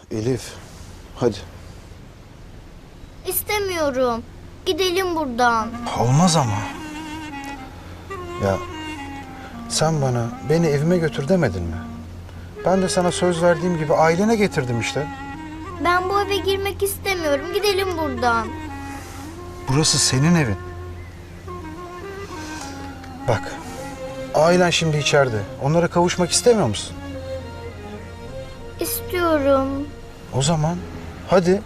Elif, hadi. İstemiyorum. Gidelim buradan. Olmaz ama. Ya sen bana beni evime götür demedin mi? Ben de sana söz verdiğim gibi ailene getirdim işte. Ben bu eve girmek istemiyorum. Gidelim buradan. Burası senin evin. Bak, ailen şimdi içeride. Onlara kavuşmak istemiyor musun? İstiyorum. O zaman hadi.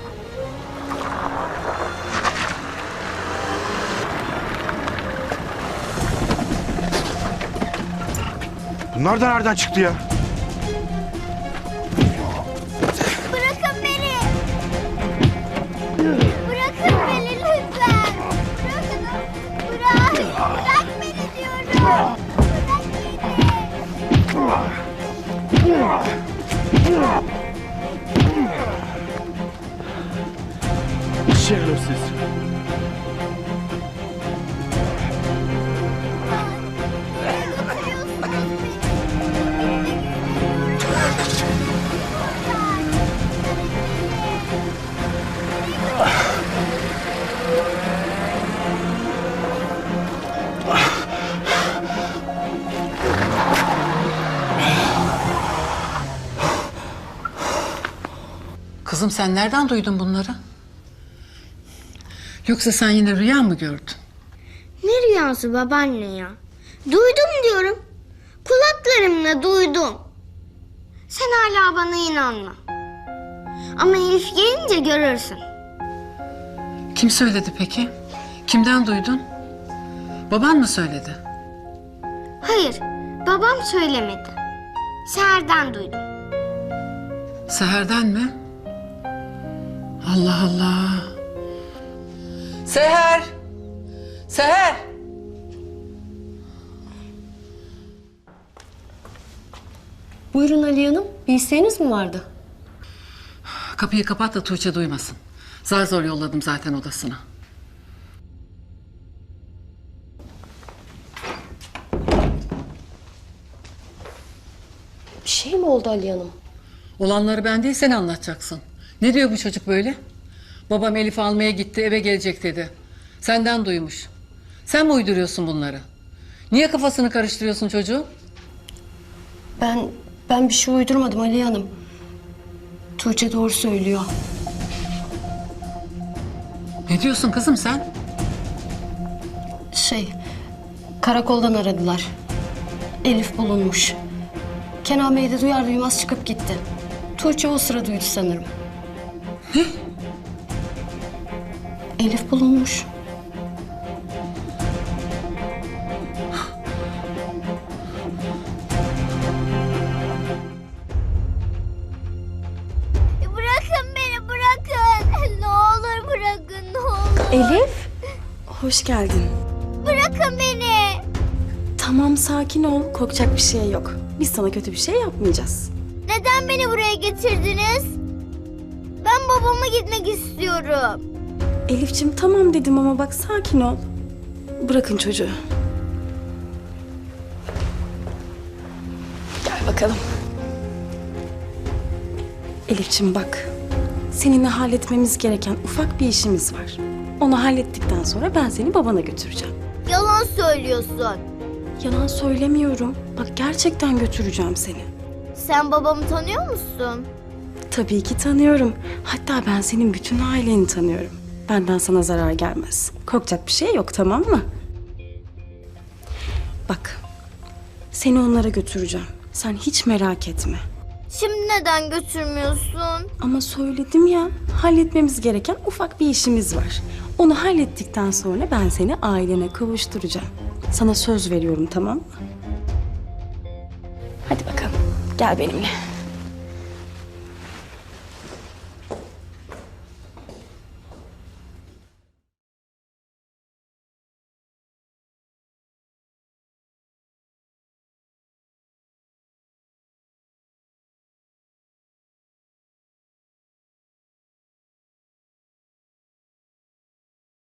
Bunlar da nereden çıktı ya? Bırakın beni. Bırakın beni lütfen. Bırakın. Bırak beni diyorum. Bırak beni. Şerefsiz. Kızım sen nereden duydun bunları? Yoksa sen yine rüya mı gördün? Ne rüyası babaanne ya? Duydum diyorum. Kulaklarımla duydum. Sen hala bana inanma. Ama Elif gelince görürsün. Kim söyledi peki? Kimden duydun? Baban mı söyledi? Hayır, babam söylemedi. Seher'den duydum. Seher'den mi? Allah Allah. Seher! Seher! Buyurun Aliye Hanım. Bir isteğiniz mi vardı? Kapıyı kapat da Tuğçe duymasın. Zar zor yolladım zaten odasına. Bir şey mi oldu Aliye Hanım? Olanları ben değil sen anlatacaksın. Ne diyor bu çocuk böyle? Babam Elif'i almaya gitti eve gelecek dedi. Senden duymuş. Sen mi uyduruyorsun bunları? Niye kafasını karıştırıyorsun çocuğun? Ben bir şey uydurmadım Aliye Hanım. Tuğçe doğru söylüyor. Ne diyorsun kızım sen? Karakoldan aradılar. Elif bulunmuş. Kenan Bey de duyar duymaz çıkıp gitti. Tuğçe o sıra duydu sanırım. Ne? Elif bulunmuş. Bırakın beni, bırakın. Ne olur bırakın, ne olur. Elif, hoş geldin. Bırakın beni. Tamam, sakin ol. Korkacak bir şey yok. Biz sana kötü bir şey yapmayacağız. Neden beni buraya getirdiniz? Ben babama gitmek istiyorum. Elif'ciğim tamam dedim ama bak sakin ol. Bırakın çocuğu. Gel bakalım. Elif'ciğim bak. Seninle halletmemiz gereken ufak bir işimiz var. Onu hallettikten sonra ben seni babana götüreceğim. Yalan söylüyorsun. Yalan söylemiyorum. Bak gerçekten götüreceğim seni. Sen babamı tanıyor musun? Tabii ki tanıyorum. Hatta ben senin bütün aileni tanıyorum. Benden sana zarar gelmez. Korkacak bir şey yok, tamam mı? Bak, seni onlara götüreceğim. Sen hiç merak etme. Şimdi neden götürmüyorsun? Ama söyledim ya, halletmemiz gereken ufak bir işimiz var. Onu hallettikten sonra ben seni ailene kavuşturacağım. Sana söz veriyorum, tamam mı? Hadi bakalım, gel benimle.